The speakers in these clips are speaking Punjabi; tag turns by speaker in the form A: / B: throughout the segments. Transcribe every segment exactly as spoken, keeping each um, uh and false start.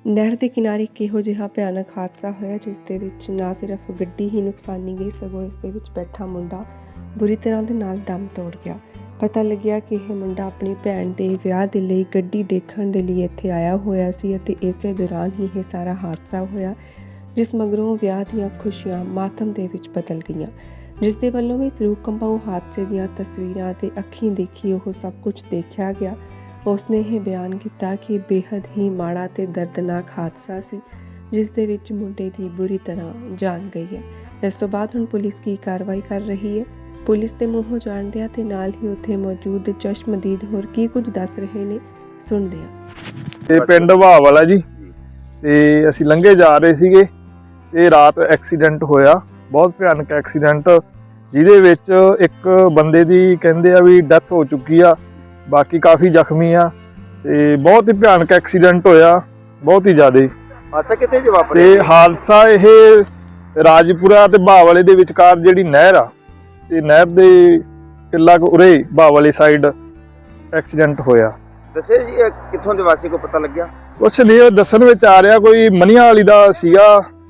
A: नहर के किनारे किहो जिहा भयानक हादसा होया जिस दे विच ना सिर्फ गड्डी ही नुकसानी गई सगों इस दे विच बैठा मुंडा बुरी तरह दे नाल दम तोड़ गया। पता लग्या कि यह मुंडा अपनी भैन दे विआह दे लई गड्डी देखण दे लई इत्थे आया होया सी अते इसे दौरान ही यह सारा हादसा होया, जिस मगरों विआह दीआं खुशियां मातम दे विच बदल गईयां। जिस दे वल्लों भी रूह कंबाऊ हादसे दीआं तस्वीरां ते अखीं देखी ओह सब कुछ देखिया गया। उसने यह बयान किया कि बेहद ही माड़ा ते दर्दनाक हादसा सी जिस दे विच मुंडे दी बुरी तरह जान गई है। इस तो बाद हुण पुलिस की कार्रवाई कर रही है। पुलिस के मूँहों जाणदिआं ते नाल ही उत्थे मौजूद चश्मदीद होर की कुछ दस रहे ने, सुणदे हां।
B: ते पिंड भाव वाला जी ते असीं लंघे जा रहे सीगे ते रात एक्सीडेंट होया, बहुत भयानक एक्सीडेंट जिहदे विच एक बंदे दी कहंदे आ भी डैथ हो चुकी आ, बाकी काफ़ी जख्मी आ ते बहुत ही भयानक एक्सीडेंट होया, बहुत ही ज़्यादा।
C: अच्छा कितने जवाब
B: ते हादसा यह राजपुरा ते भाव वाले दे विचकार जिहड़ी नहर आ ते नहर दे किला उरे भाव वाली साइड एक्सीडेंट होया।
C: दसे जी ये कित्थों दे वासी को पता लग गया?
B: कुछ नहीं दसन विच आ रहा, कोई मनिया वाली दा सीगा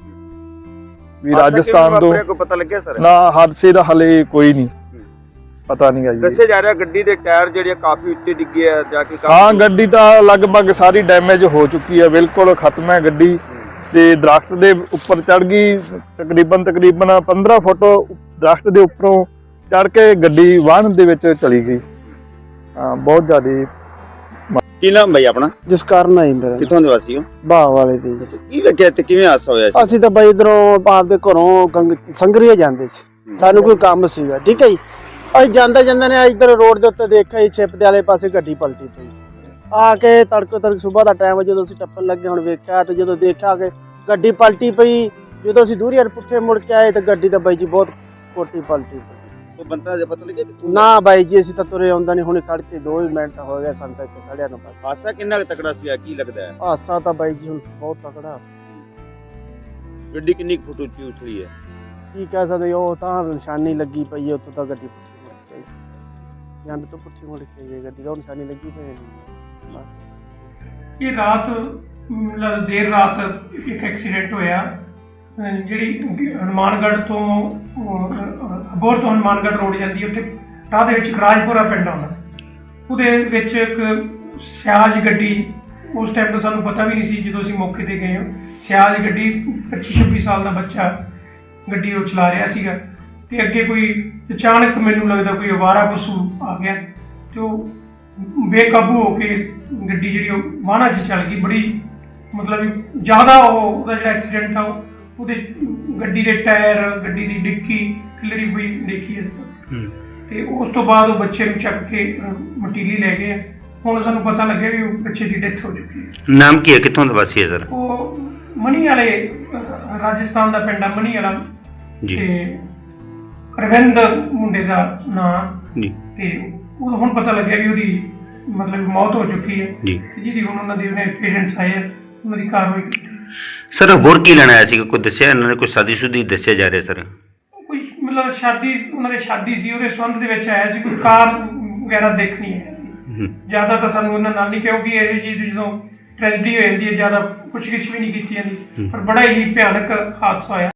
B: भी राजस्थान तो
C: को पता लग गया सर
B: ना हादसे दा हले कोई नहीं पता नहीं है जी।
C: दसे जा रहा गड्डी दे टायर ਜਿਹੜੇ ਕਾਫੀ ਉੱਤੇ ਡਿੱਗੇ ਆ ਜਾ ਕੇ
B: हाँ गड्डी तो लगभग सारी डैमेज हो चुकी है, बिल्कुल खत्म है गड्डी ते दरख्त दे उपर चढ़ गई, तकरीबन तकरीबन पंद्रह फुट दरख्त दे उपरों चढ़ के गड्डी वाहन दे विच चली गई। हाँ बहुत ज़्यादा।
C: ਕੀ ਨਾਮ ਬਈ ਆਪਣਾ?
D: ਜਸਕਰਨ ਨਹੀਂ ਮੇਰਾ।
C: ਕਿੱਥੋਂ ਦੇ ਵਾਸੀ ਹੋ?
D: ਬਾਹ ਵਾਲੇ ਦੇ ਜੀ।
C: ਕੀ ਵੇਖਿਆ ਤੇ ਕਿਵੇਂ ਹਾਦਸਾ ਹੋਇਆ ਸੀ?
D: ਅਸੀਂ ਤਾਂ ਬਈ ਇਧਰੋਂ ਆਪਦੇ ਘਰੋਂ ਗੰਗ ਸੰਗਰੀਏ ਜਾਂਦੇ ਸੀ, ਸਾਨੂੰ ਕੋਈ ਕੰਮ ਸੀਗਾ, ਠੀਕ ਹੈ ਜੀ। ਅਸੀਂ ਜਾਂਦੇ ਜਾਂਦੇ ਨੇ ਇੱਧਰ ਰੋਡ ਦੇ ਉੱਤੇ ਦੇਖਿਆ ਜੀ ਛਿਪ ਦੇ ਵਾਲੇ ਪਾਸੇ ਗੱਡੀ ਪਲਟੀ ਪਈ ਆ ਕੇ ਤੜਕੋ ਤੜਕ ਸਵੇਰ ਦਾ ਟਾਈਮ ਜਦੋਂ ਅਸੀਂ ਟੱਪਣ ਲੱਗੇ ਹੁਣ ਵੇਖਿਆ ਤੇ ਜਦੋਂ ਦੇਖਿਆ ਕਿ ਗੱਡੀ ਪਲਟੀ ਪਈ, ਜਦੋਂ ਅਸੀਂ ਦੂਰੀ ਹਰ ਪੁੱਠੇ ਮੁੜ ਕੇ ਆਏ ਤਾਂ ਗੱਡੀ ਤਾਂ ਬਾਈ ਜੀ ਬਹੁਤ ਕੋਟੀ ਪਲਟੀ ਪਈ।
C: ਉਹ ਬੰਦਾ ਜੇ ਪਤਾ ਲੱਗਿਆ ਕਿ
D: ਨਾ ਬਾਈ ਜੀ ਅਸੀਂ ਤਾਂ ਤੁਰੇ ਆਉਂਦਾ ਨਹੀਂ, ਹੁਣ ਖੜ ਕੇ ਦੋ ਹੀ ਮਿੰਟ ਹੋ ਗਏ ਸਾਨੂੰ ਤਾਂ ਇੱਥੇ ਖੜਿਆ ਨੂੰ ਬਸ।
C: ਹਾਦਸਾ ਕਿੰਨਾ ਕੁ ਤਕੜਾ ਸੀ ਕੀ ਲੱਗਦਾ ਹੈ?
D: ਹਾਦਸਾ ਤਾਂ ਬਾਈ ਜੀ ਹੁਣ ਬਹੁਤ ਤਕੜਾ।
C: ਗੱਡੀ ਕਿੰਨੀ ਫੁੱਟ ਉੱਚੀ ਉਛਲੀ ਹੈ?
D: ਕੀ ਕਹਿ ਸਕਦੇ, ਉਹ ਤਾਂ ਨਿਸ਼ਾਨੀ ਲੱਗੀ ਪਈ ਹੈ, ਉੱਥੋਂ ਤਾਂ ਗੱਡੀ ਪੁੱਠੀ ਮੁੜ ਕੇ ਜੰਡ ਤੋਂ ਪੁੱਠੀ ਮੁੜ ਕੇ ਗਈ ਗੱਡੀ, ਤਾਂ ਨਿਸ਼ਾਨੀ ਲੱਗੀ ਪਈ ਹੈ।
E: ਇਹ ਰਾਤ ਮਤਲਬ ਦੇਰ ਰਾਤ ਇੱਕ ਐਕਸੀਡੈਂਟ ਹੋਇਆ ਜਿਹੜੀ ਹਨੂੰਮਾਨਗੜ੍ਹ ਤੋਂ ਅਬੋਹਰ ਤੋਂ ਹਨੂੰਮਾਨਗੜ੍ਹ ਰੋਡ ਜਾਂਦੀ, ਉੱਥੇ ਰਾਹ ਦੇ ਵਿੱਚ ਰਾਜਪੁਰਾ ਪਿੰਡ ਆਉਂਦਾ, ਉਹਦੇ ਵਿੱਚ ਇੱਕ ਸਿਆਜ ਗੱਡੀ, ਉਸ ਟਾਈਮ ਤਾਂ ਸਾਨੂੰ ਪਤਾ ਵੀ ਨਹੀਂ ਸੀ ਜਦੋਂ ਅਸੀਂ ਮੌਕੇ 'ਤੇ ਗਏ ਹਾਂ, ਸਿਆਜ ਗੱਡੀ ਪੱਚੀ ਛੱਬੀ ਸਾਲ ਦਾ ਬੱਚਾ ਗੱਡੀ ਉਹ ਚਲਾ ਰਿਹਾ ਸੀਗਾ ਤੇ ਅੱਗੇ ਕੋਈ ਅਚਾਨਕ ਮੈਨੂੰ ਲੱਗਦਾ ਕੋਈ ਅਵਾਰਾ ਪਸ਼ੂ ਆ ਗਿਆ ਤੇ ਉਹ ਬੇਕਾਬੂ ਹੋ ਕੇ ਗੱਡੀ ਜਿਹੜੀ ਉਹ ਵਾਹਨਾਂ 'ਚ ਚੱਲ ਗਈ। ਬੜੀ ਮਤਲਬ ਜ਼ਿਆਦਾ ਉਹ ਉਹਦਾ ਜਿਹੜਾ ਐਕਸੀਡੈਂਟ ਆ ਉਹਦੇ ਗੱਡੀ ਦੇ ਟਾਇਰ, ਗੱਡੀ ਦੀ ਡਿੱਕੀ ਖਿਲਰੀ ਹੋਈ ਦੇਖੀ ਅਸੀਂ ਤੇ ਉਸ ਤੋਂ ਬਾਅਦ ਉਹ ਬੱਚੇ ਨੂੰ ਚੱਕ ਕੇ ਮਟੀਲੀ ਲੈ ਗਏ। ਹੁਣ ਸਾਨੂੰ ਪਤਾ ਲੱਗਿਆ ਵੀ ਉਹ ਬੱਚੇ ਦੀ ਡੈਥ ਹੋ ਚੁੱਕੀ ਹੈ।
F: ਨਾਮ ਕੀ ਹੈ, ਕਿੱਥੋਂ ਦਾ ਵਾਸੀ ਹੈ ਸਰ?
E: ਉਹ ਮਨੀ ਵਾਲੇ ਰਾਜਸਥਾਨ ਦਾ ਪਿੰਡ ਆ ਮਨੀ ਵਾਲਾ
F: ਜੀ
E: ਤੇ ਰਵਿੰਦ ਮੁੰਡੇ ਦਾ ਨਾਂ
F: ਜੀ
E: ਤੇ ਉਹ ਹੁਣ ਪਤਾ ਲੱਗਿਆ ਵੀ ਉਹਦੀ ਮਤਲਬ ਮੌਤ ਹੋ ਚੁੱਕੀ ਹੈ
F: ਜੀ,
E: ਜਿਹਦੀ ਹੁਣ ਉਹਨਾਂ ਦੇ ਉਹਨੇ ਪੇਰੈਂਟਸ ਆਏ ਆ, ਉਹਨਾਂ ਦੀ ਕਾਰਵਾਈ ਕੀਤੀ।
F: ਸਰ ਹੋਰ ਕੀ ਲੈਣਾ ਆਇਆ ਸੀ? ਕੋਈ ਦੱਸਿਆ ਇਹਨਾਂ ਨੇ? ਕੋਈ ਸ਼ਾਦੀ ਸ਼ੁਦੀ ਦੱਸਿਆ ਜਾ ਰਿਹਾ ਸਰ?
E: ਕੋਈ ਮਤਲਬ ਸ਼ਾਦੀ, ਉਹਨਾਂ ਦੇ ਸ਼ਾਦੀ ਸੀ, ਉਹਦੇ ਸੰਬੰਧ ਦੇ ਵਿੱਚ ਆਇਆ ਸੀ, ਕੋਈ ਕਾਰ ਵਗੈਰਾ ਦੇਖਣੀ ਆਇਆ ਸੀ। ਜ਼ਿਆਦਾ ਤਾਂ ਸਾਨੂੰ ਉਹਨਾਂ ਨਾਲ ਨਹੀਂ, ਕਿਉਂਕਿ ਇਹ ਚੀਜ਼ ਜਦੋਂ ਟ੍ਰੈਜਡੀ ਹੋ ਜਾਂਦੀ ਹੈ ਜ਼ਿਆਦਾ ਪੁੱਛਗਿੱਛ ਵੀ ਨਹੀਂ ਕੀਤੀ ਜਾਂਦੀ, ਪਰ ਬੜਾ ਹੀ ਭਿਆਨਕ ਹਾਦਸਾ ਹੋਇਆ।